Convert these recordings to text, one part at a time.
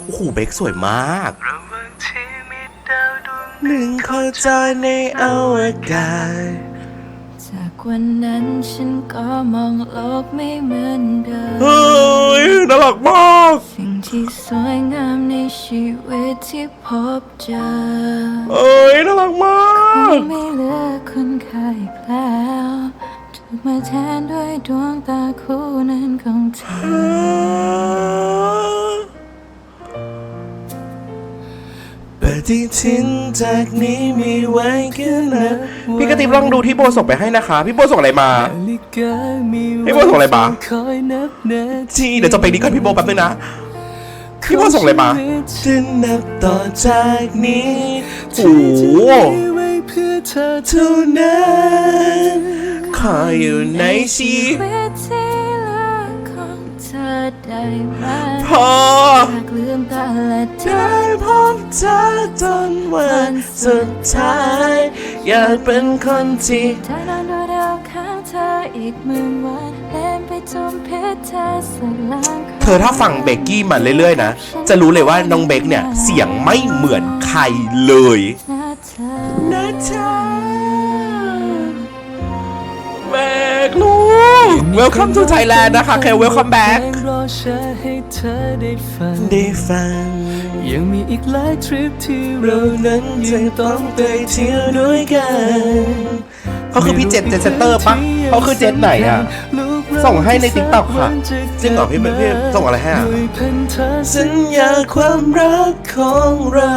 โอ้โหเบคสวยมากหนึ่งโคจรในอวกาศจากวันนั้นฉันก็มองโลกไม่เหมือนเดิมเฮ้ยน่ารักมากสิ่งที่สวยงามในชีวิตที่พบเจอเอ้ยน่ารักมากไม่เหลือคุณค่าอีกแล้วถูกมาแทนด้วยดวงตาคู่นั้นของเธอปฏิทินจากนี้มีไว้แค่นั้นพี่กระติบลองดูที่โบส่งไปให้นะคะพี่โบส่งอะไรมาพี่โบส่งอะไรมาที่เดี๋ยวจบเพลงนี้ก่อนพี่โบแป๊บนึงนะพี่โบส่งอะไรมาจะนับต่อจากนี้โอ้โหเท่านั้นขออยู่ในชีวิตที่เหลือของเธอได้ไหมพออยากลืมตาและได้พบเธอจนวันสุดท้ายอยากเป็นคนที่ได้นอนดูดาวข้างเธออีก10,000 วันเล่นไปจมเพชรเธอสักล้านเธอถ้าฟังเบกกี้มาเรื่อยๆนะจะรู้เลยว่าน้องเบกเนี่ยเสียงไม่เหมือนใครเลยนะเธอเบกลูก Welcome to Thailand นะคะแค่ Welcome back ได้ฟังยังมีอีกหลายทริปที่เรานั้นยังต้องไปเที่ยวด้วยกันเขาคือพี่เจเซนเตอร์ปะเขาคือเจไหนอ่ะส่งให้ในติ๊กต็อกค่ะจริงเหรอพี่ส่งอะไรให้อ่ะสัญญาความรักของเรา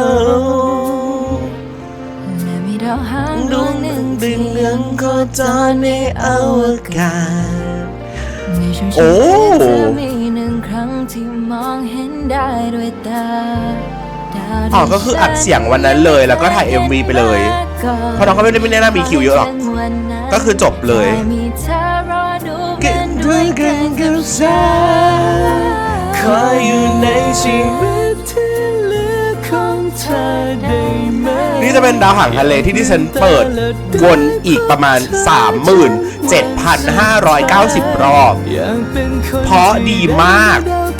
ดาวหางดวงหนึ่งดึงเรื่องโคจรในอวกาศโอ้มีหนึ่งครั้งที่มองเห็นได้ด้วยตาอ๋อก็คืออัดเสียงวันนั้นเลยแล้วก็ถ่าย MV ไปเลยเพราะน้องก็ไม่ได้น่ามีคิวเยอะหรอกก็คือจบเลยเก็บด้วยกันกับฉันขออยู่ในชีวิตที่เหลือของเธอได้ไหมนี่จะเป็นดาวหางทะเลที่ดิฉันเปิดวนอีกประมาณ 37,590 รอบเพราะดีมาก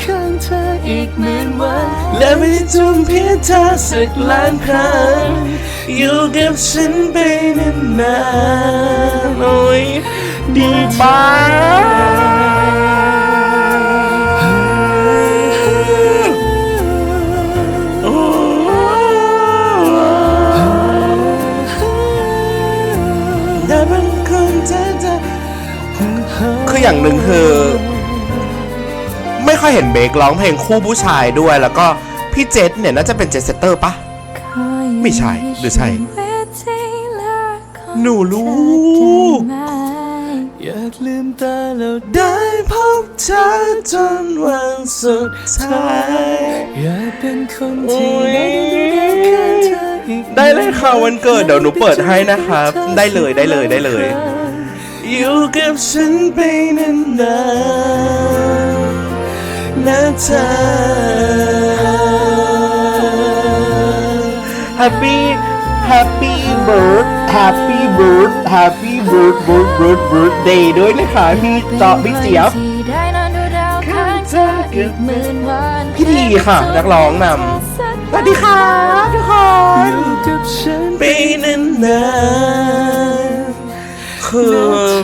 และไม่จุ่มเพียงเธอสักล้านครั้งอยู่กับฉันไปนานๆโอ้ยดีมากคืออย่างหนึ่งคือไม่ค่อยเห็นเบคร้องเพลงคู่ผู้ชายด้วยแล้วก็พี่เจษเนี่ยน่าจะเป็นเจสเตอร์ปะไม่ใช่หรือใช่หนูลูกอยากลืมตาแล้วได้พบเธอจนวันสุดท้ายอยากเป็นคนที่ได้เลยค่ะวันเกิดเดี๋ยวหนูเปิดให้นะครับได้เลยอยู่กับฉันไปนานๆนะเธอ Happy birthday ด้วยนะคะพี่เจี๊ยบพี่ทีค่ะนักร้องนำสวัสดีค่ะทุกคนอยู่กับฉันไปนานๆคือ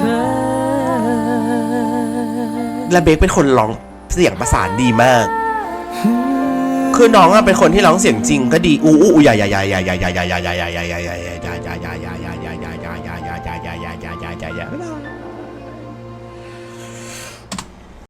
และเบคเป็นคนร้องเสียงประสานดีมากคือน้องอะเป็นคนที่ร้องเสียงจริงก็ดีอู้อย่า